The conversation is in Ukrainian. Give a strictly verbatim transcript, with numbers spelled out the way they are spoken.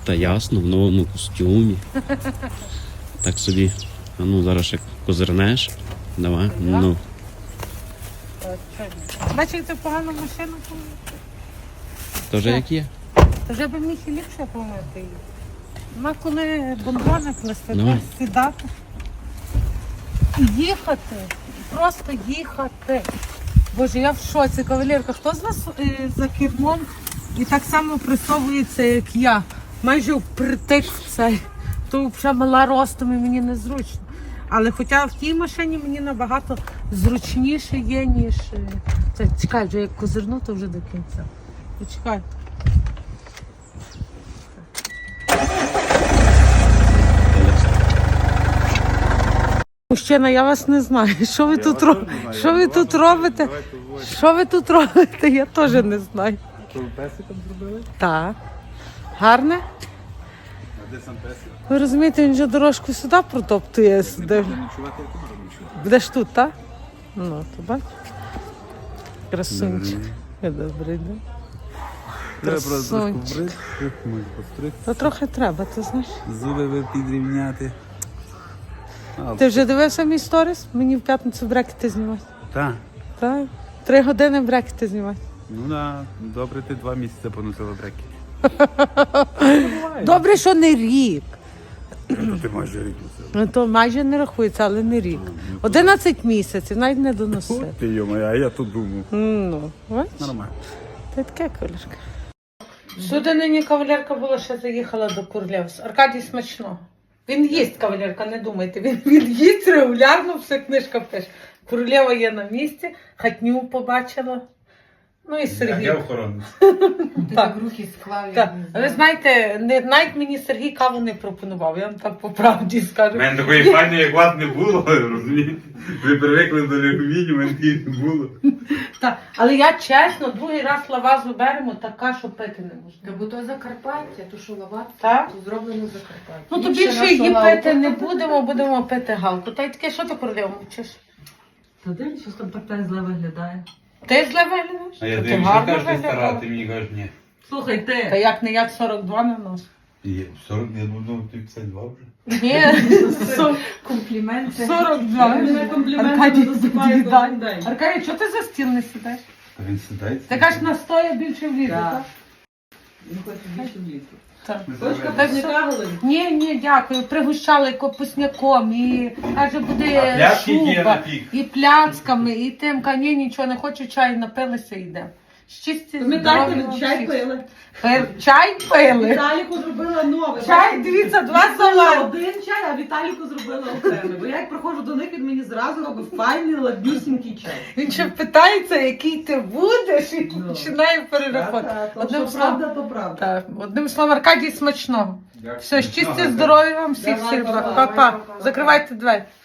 Та ясно, в новому костюмі. Так собі. А ну, зараз ще козирнеш. Давай. Ну. Бачите, це погану машину помити. То вже як є? То вже би міг і ліпше помити її. Вона коли бомбони плести, Давай. то сідати. І їхати. Просто їхати. Боже, я в шоці, кавалерка. Хто з вас е, за кермом і так само присовується, як я? Майже впритик в цей. То вже мала ростом і мені незручно. Але хоча в тій машині мені набагато зручніше є, ніж... е, Це, чекай, вже як козирну, то вже до кінця. Почекай. Мужчина, я вас не знаю. Що ви тут робите? Що ви тут робите? Що ви тут робите? Я теж не знаю. То ви песиком зробили? Так. Гарне? А де сам песик? Ви розумієте, він вже дорожку сюди протоптує. Сюди. Буде ночувати, я тут буду ночувати. Будеш тут, так? Ну, то бач. Красунчик. Добрий день. Треба просто трошки Красунчик. вбрити, може постригти. Та трохи треба, ти знаєш. Зуби ви підрівняти. А, Ти вже дивився мій сторіс? Мені в п'ятницю брекети знімати. Так. Так? Три години брекети знімати. Ну да, добре ти два місяці поносила бреки. Добре, що не рік. Ну ти майже рік носила. Ну, то майже не рахується, але не рік. Одинадцять місяців, навіть не доносив. Ти йома, а я тут думав. Ну, бачиш? Нормально. Ти таке, кавалерка. Сюди нині кавалерка була, ще заїхала до Курлєвс. Аркадій смачного. Він їсть, кавалерка, не думайте. Він, він їсть регулярно, все книжка пише. Курлєва є на місці, хатню побачила. Ну і Сергій. Я охоронець. Так. Руки склав. Так. Ви знаєте, не, навіть мені Сергій каву не пропонував, я вам так по правді скажу. У мене такої файної, як вас, не було, розумієте? Ви привикли до алюмінію, у мене такої не було. Так. Але я чесно, другий раз лавазу беремо, така, що пити не можна. Та бо то Закарпаття, то що лават, Так? то зроблено в Закарпатті. Ну то Інше більше наша її лавка. пити не будемо, будемо пити галку. Та й таке, що ти королеву мовчиш? Та дивись, що там так зле виглядає. Ти зле виглядаєш? А я Та ти дивлюся, гарно кажеш, ти виглядаєш. стара, ти мені кажеш, ні. Слухай, Та ти, як не як сорок два на нос. Є, сорок, я думав, ти п'ятдесят два вже. Ні, со- Компліменти. сорок два. мене компліменти Аркадій, досипають тобі дай. кожен день. Аркадій, чого ти за стіл не сідаєш? А він сідається. Ти кажеш, на стоя більше влізе, Так. так? Він хоче більше влізти. Так. Точка Так не що- кагали. Ні, ні, дякую. Пригощали капусняком і каже, А буде пляшки є на шуба, пік? і пляцками, і тим, ка ні, нічого не хочу, чай напилися і йдемо. Щасті, Пам'ятаєте, здоров'я ми чай всіх. пили. Пи- Чай пили? Віталіку зробила нове. Чай, дивіться, два Це салати. один чай, а Віталіку зробила окремий. Бо я як приходжу до них, він мені зразу робить файний, ладнюсінький чай. Він ще питається, який ти будеш, і Ну. починає перерахувати. Та-та, то, Одним що словом, правда, то правда. так, одним словом, Аркадій, смачного. Дякую. Все, щастя, Смачного. здоров'я вам всіх, Давай, всіх. давай, Па-па. давай. Закривайте двері.